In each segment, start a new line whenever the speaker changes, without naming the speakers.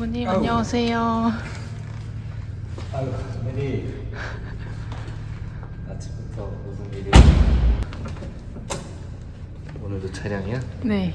전무님 안녕하세요.
아유, 무슨 일이? 아침부터 무슨 일이? 오늘도 촬영이야?
네.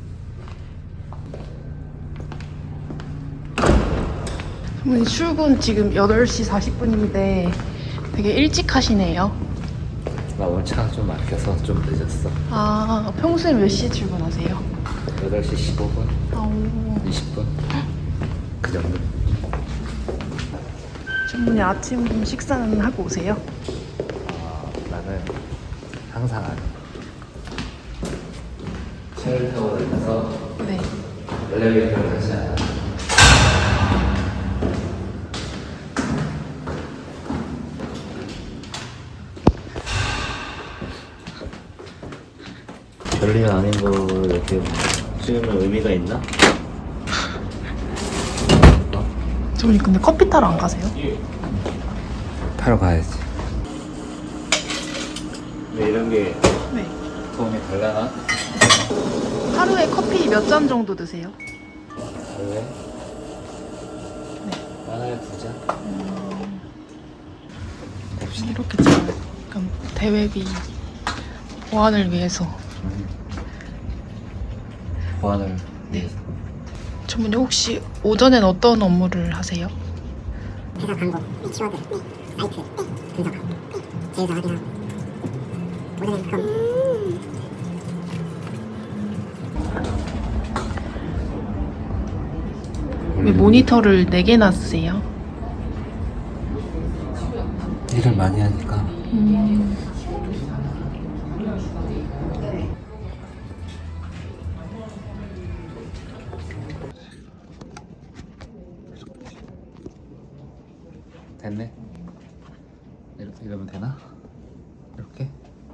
전무님 출근 지금 8시 40분인데 되게 일찍 하시네요.
나 오늘 차가 좀 막혀서 좀 늦었어.
아, 평소에 몇 시에 출근하세요?
8시 15분?
아우.
20분? 그 정도.
전무님 아침 식사는 하고 오세요?
나는 항상 안 해. 차를 타고 다녀서
네.
엘리베이터를 타지 않아. 별일 아닌 거 이렇게 찍으면 의미가 있나?
전무님 근데 커피 타러 안 가세요?
타러 가야지. 근데 이런 게
네.
도움이 될라나?
하루에 커피 몇 잔 정도 드세요?
하루에?
네.
하나에 2잔?
이렇게 좀 약간 대회비 보완을 위해서.
보안을 위해서.
전무님 혹시 오전엔 어떤 업무를 하세요?
회사 광고, 키워드, 사이트, 분석, 제휴서 확인하고 오늘은 그럼
왜 모니터를 4개나 쓰세요?
일을 많이 하니까. 됐네. 이러면 되나? 이렇게?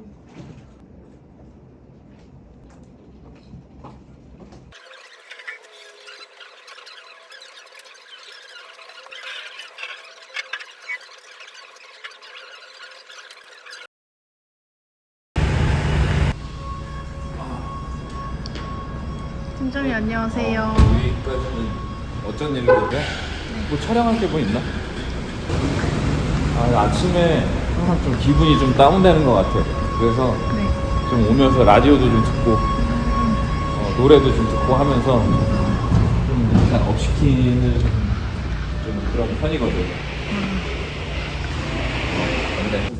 팀장님 안녕하세요.
여기까지는 어쩐 일인데? 뭐 촬영할 게 뭐 있나? 아침에 항상 좀 기분이 좀 다운되는 것 같아. 그래서
네.
좀 오면서 라디오도 좀 듣고 노래도 좀 듣고 하면서 좀 약간 업시키는 좀 그런 편이거든. 근데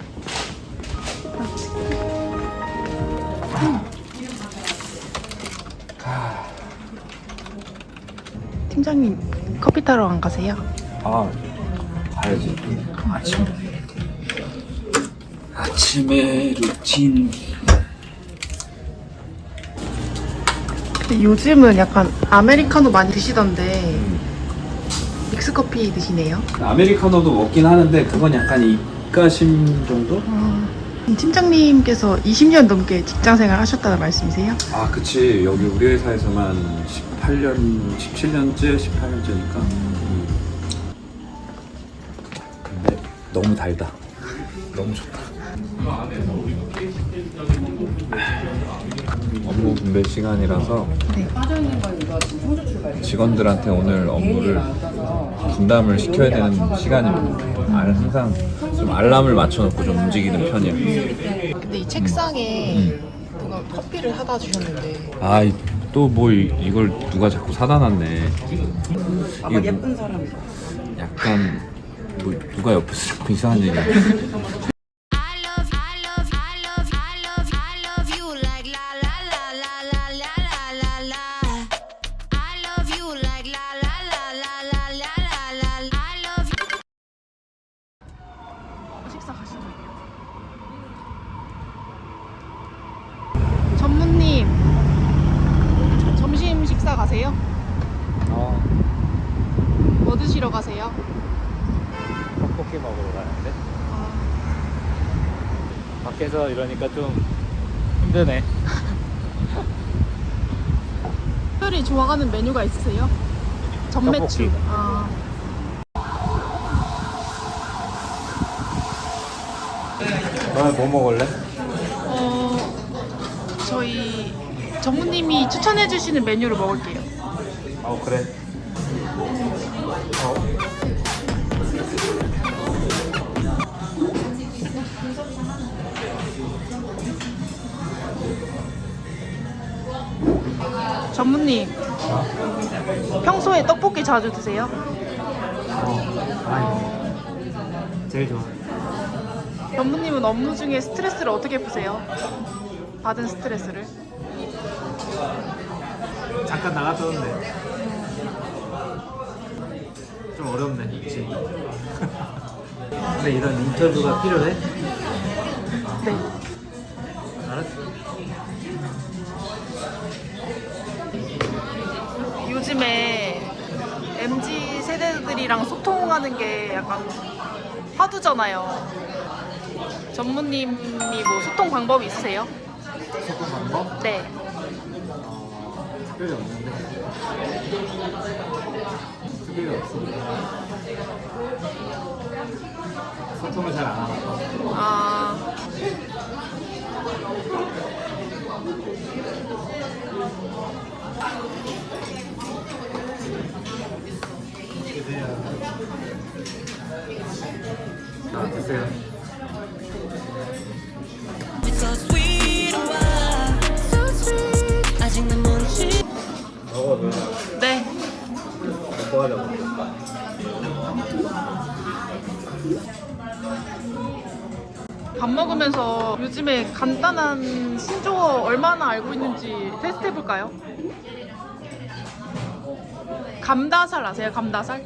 팀장님 커피 타러 안 가세요?
가야지. 아침에 루틴.
근데 요즘은 약간 아메리카노 많이 드시던데 믹스커피 드시네요?
아메리카노도 먹긴 하는데 그건 약간 입가심 정도?
팀장님께서 20년 넘게 직장생활 하셨다는 말씀이세요?
그치. 여기 우리 회사에서만 18년, 17년째, 18년째니까. 근데 너무 달다. 너무 좋다. 업무 분배 시간이라서
네.
직원들한테 오늘 업무를 분담을 시켜야 되는 시간입니다. 항상 좀 알람을 맞춰놓고 좀 움직이는 편이야.
근데 이 책상에 누가 커피를 사다 주셨는데
또 뭐 이걸 누가 자꾸 사다 놨네. 이게 예쁜 사람. 약간 뭐 누가 옆에서 자꾸 이상한 얘기.
식사 가시죠. 전무님 점심 식사 가세요? 뭐 드시러 가세요?
떡볶이 먹으러 가는데 밖에서 이러니까 좀 힘드네.
특별히 좋아하는 메뉴가 있으세요? 전매추.
떡볶이.
너는 뭐 먹을래?
저희 전무님이 추천해 주시는 메뉴를 먹을게요.
그래.
전무님, 평소에 떡볶이 자주 드세요?
아니 제일 좋아.
전무님은 업무 중에 스트레스를 어떻게 푸세요? 받은 스트레스를?
잠깐 나갔다 오는데 좀 어렵네. 그치? 근데 이런 인터뷰가 필요해?
네.
알았어.
요즘에 MZ 세대들이랑 소통하는 게 약간 화두잖아요. 전무님이 뭐 소통 방법이 있으세요?
소통 방법?
네.
특별히 없는데. 특별히 없어. 소통을 잘 안 하나.
아,
자, 드세요.
So sweet, wow, so sweet. 아직 난 모르지.
먹어, 누나.
네.
뭐 하려고?
밥 먹으면서 요즘에 간단한 신조어 얼마나 알고 있는지 테스트 해볼까요? 감다살 아세요? 감다살?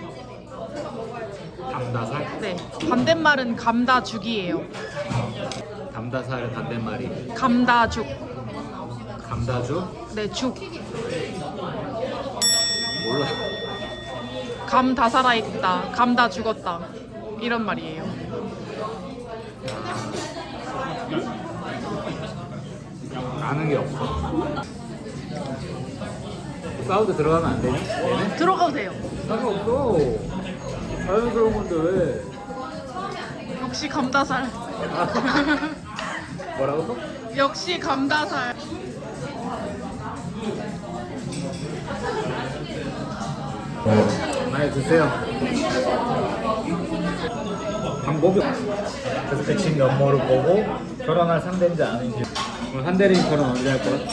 담다살?
네. 반대말은 감다죽이에요.
담다살 반대말이
감다죽.
감다주?
네, 죽.
몰라.
감 다 살아있다. 감 다 죽었다. 이런 말이에요.
아는 게 없어. 사우드 들어가면 안 되니? 얘네?
들어가도 돼요.
상관없어. 자연스러운 건데 왜?
역시 감다살.
뭐라고?
역시 감다살.
많이 드세요. 방법이 없어. 그래서 그 친 면모를 보고 결혼할 상대인지 아닌지. 오늘 한대리님 결혼 언제 할 거야?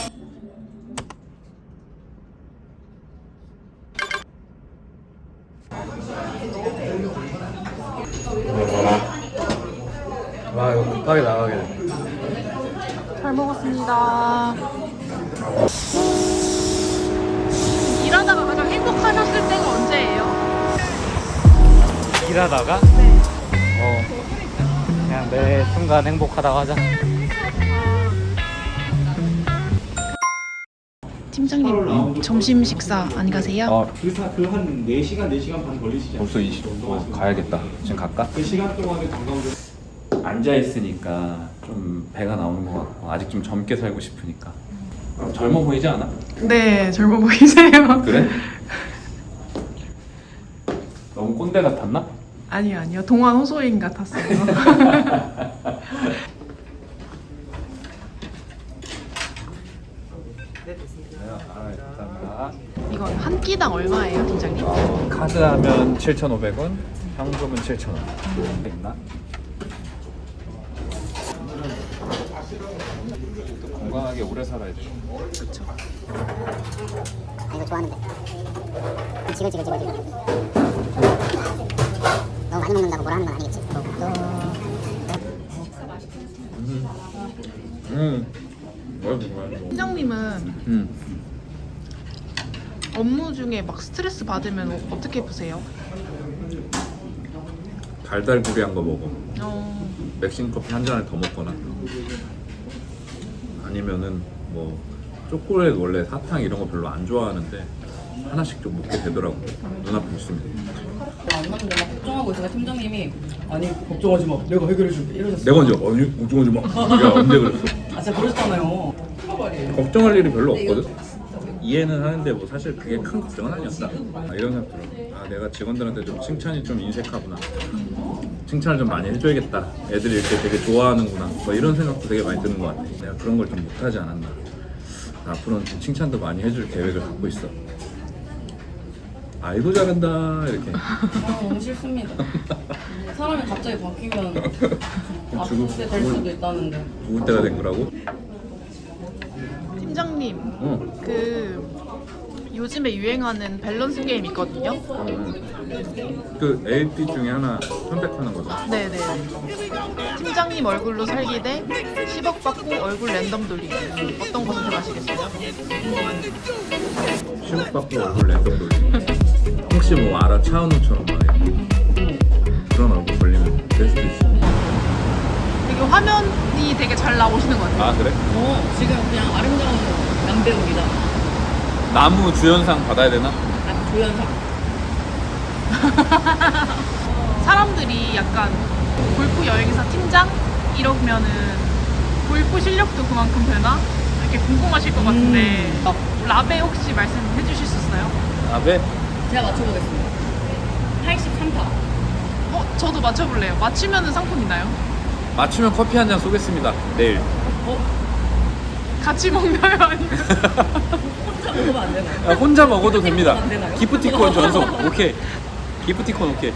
와 이거 급하게 나가게.
잘 먹었습니다. 일하다가 가장 행복하셨을 때가 언제예요?
일하다가?
네.
그냥 매 순간 행복하다고 하자.
팀장님, 점심 식사 안 가세요?
그한 4시간, 4시간 반 걸리시지
벌써 20분 가야겠다. 지금 갈까?
그 시간 동안에 관광객
앉아 있으니까 좀 배가 나오는 것 같고 아직 좀 젊게 살고 싶으니까. 젊어 보이지 않아?
네, 젊어 보이세요.
그래? 너무 꼰대 같았나?
아니요, 아니요. 동안 호소인 같았어요.
감사합니다.
이건 한 끼당 얼마예요, 팀장님?
카드 하면 7,500원, 현금은 7,000원. 있나? 건강하게 오래 살아야 돼.
그렇죠.
이거 좋아하는데 지글지글 너무 많이 먹는다고 뭐라 하는 건 아니겠지.
뭐야?
팀장님은 업무 중에 막 스트레스 받으면 어떻게 푸세요?
달달구리한 거 먹어.
어,
맥심 커피 한 잔을 더 먹거나 아니면은 뭐 초콜릿 원래 사탕 이런 거 별로 안 좋아하는데 하나씩 좀 먹게 되더라고. 눈앞에 있으면.
안 맞는데 막 걱정하고 있으니까 팀장님이 아니 걱정하지 마 내가 해결해줄게 이러셨어요.
내가 언제 걱정하지 마. 야 언제 그랬어?
아 진짜 그러셨잖아요.
걱정할 일이 별로 없거든. 이해는 하는데 뭐 사실 그게 큰 걱정은 아니었다. 이런 생각 들어. 아 내가 직원들한테 좀 칭찬이 좀 인색하구나. 칭찬을 좀 많이 해줘야겠다. 애들이 이렇게 되게 좋아하는구나. 뭐 이런 생각도 되게 많이 드는 것 같아. 내가 그런 걸 좀 못하지 않았나. 앞으로는 좀 칭찬도 많이 해줄 계획을 갖고 있어. 아이고 잘한다 이렇게.
너무 싫습니다. 사람이 갑자기 바뀌면
죽을-
아프게 될 수도 있다는데.
죽을 때가 된 거라고?
팀장님,
어.
그 요즘에 유행하는 밸런스 게임 있거든요.
그 LP 중에 하나 선택하는 거죠.
네네. 팀장님 얼굴로 살기 대 10억 받고 얼굴 랜덤 돌리기. 어떤 거 선택하시겠어요?
10억 받고 얼굴 랜덤 돌리기. 혹시 뭐 알아? 차은우처럼 막 이렇게. 그런 얼굴 걸리면 될 수도 있어.
되게 화면이 되게 잘 나오시는 것 같아요.
아 그래?
지금 그냥 아름다운 남배우입니다.
나무 주연상 받아야 되나?
아, 조연상.
사람들이 약간 골프 여행사 팀장 이러면은 골프 실력도 그만큼 되나? 이렇게 궁금하실 것 같은데 라베 혹시 말씀해 주실 수 있어요?
아베?
제가 맞춰보겠습니다. 83타.
저도 맞춰볼래요. 맞추면은 상품 있나요?
맞추면 커피 한 잔 쏘겠습니다. 내일.
같이 먹나요? 아니면
혼자 먹으면 안 되나요?
아, 혼자 먹어도 됩니다.
안 되나요?
기프티콘 전송. 오케이. 기프티콘 오케이.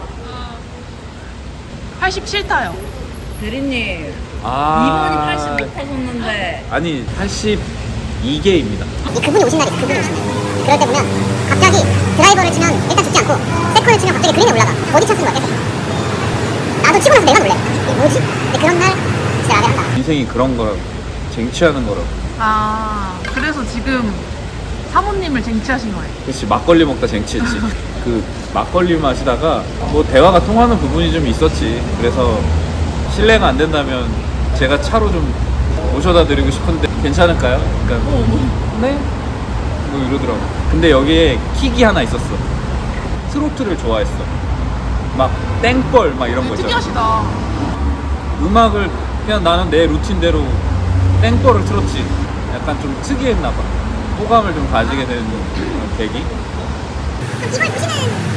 87타요.
대리님,
아.
2번이 80 못하셨는데.
아니 82개입니다.
그분이 오신 날이 있어. 그분이 오신 날. 그럴 때 보면 갑자기 드라이버를 치면 일단 죽지 않고 세컨을 치면 갑자기 그린에 올라가. 버디 찬스인 거야 계속. 나도 치고 나서 내가 놀래. 이게 뭐지? 근데 그런 날 진짜 라벨 한다.
인생이 그런 거라고. 쟁취하는 거라고.
아, 그래서 지금 사모님을 쟁취하신 거예요.
그렇지. 막걸리 먹다 쟁취했지. 그 막걸리 마시다가 뭐 대화가 통하는 부분이 좀 있었지. 그래서 실례가 안 된다면 제가 차로 좀 모셔다 드리고 싶은데 괜찮을까요? 그러니까 네? 뭐 이러더라고. 근데 여기에 킥이 하나 있었어. 트로트를 좋아했어. 막 땡벌 막 이런 거 있잖아.
특이하시다.
음악을 그냥 나는 내 루틴대로 땡벌을 틀었지. 약간 좀 특이했나 봐. 호감을 좀 가지게 되는 그런 계기.
이걸 보시는